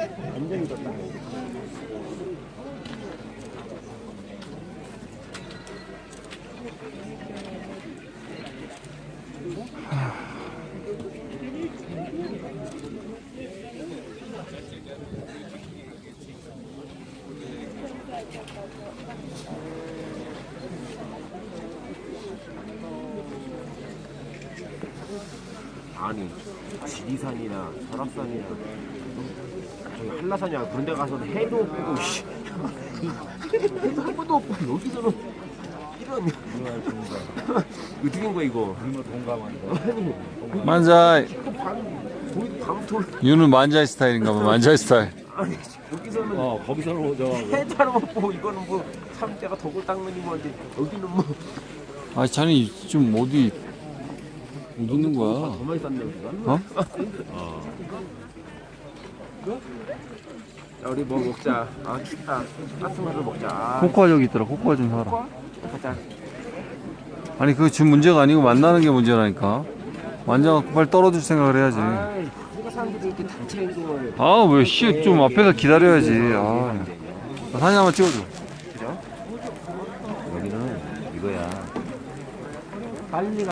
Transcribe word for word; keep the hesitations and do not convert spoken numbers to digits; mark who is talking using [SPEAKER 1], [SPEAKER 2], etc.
[SPEAKER 1] 완전히 졌다.
[SPEAKER 2] 아니 지리산이나 설악산이나 저기 한라산이나 그런 데 가서 해도 없고 씨. 해도 한 번도 없고 여기서는 이런 어떻게 된 거야 이거. 아니
[SPEAKER 3] 만자이.
[SPEAKER 2] 거기 밤톨
[SPEAKER 3] 유는 만자이 스타일인가 봐. 만자이 스타일.
[SPEAKER 2] 아니 여기서는
[SPEAKER 1] 어 거기서는 저
[SPEAKER 2] 해도 하나 없고 이거는 뭐 참깨가 덕을 닦는 건데 여기는 뭐
[SPEAKER 3] 아, 자네 좀 어디 못 웃는 거야?
[SPEAKER 2] 더 많이 쌌네 우리가.
[SPEAKER 3] 어?
[SPEAKER 2] 자 우리 뭐 먹자. 아 춥다. 따뜻한 거 먹자. 아,
[SPEAKER 3] 코코아 저기 있더라. 코코아 좀 사라.
[SPEAKER 2] 코코아? 가자.
[SPEAKER 3] 아니 그게 지금 문제가 아니고 만나는 게 문제라니까. 만져갖고 빨리 떨어질 생각을 해야지.
[SPEAKER 2] 아이, 우리가 사람들이 이렇게 단체 행동을
[SPEAKER 3] 아 왜 씨 좀 앞에서 기다려야지. 아 사진 한번 찍어줘.
[SPEAKER 2] 그죠?
[SPEAKER 1] 여기는 이거야.
[SPEAKER 2] 빨리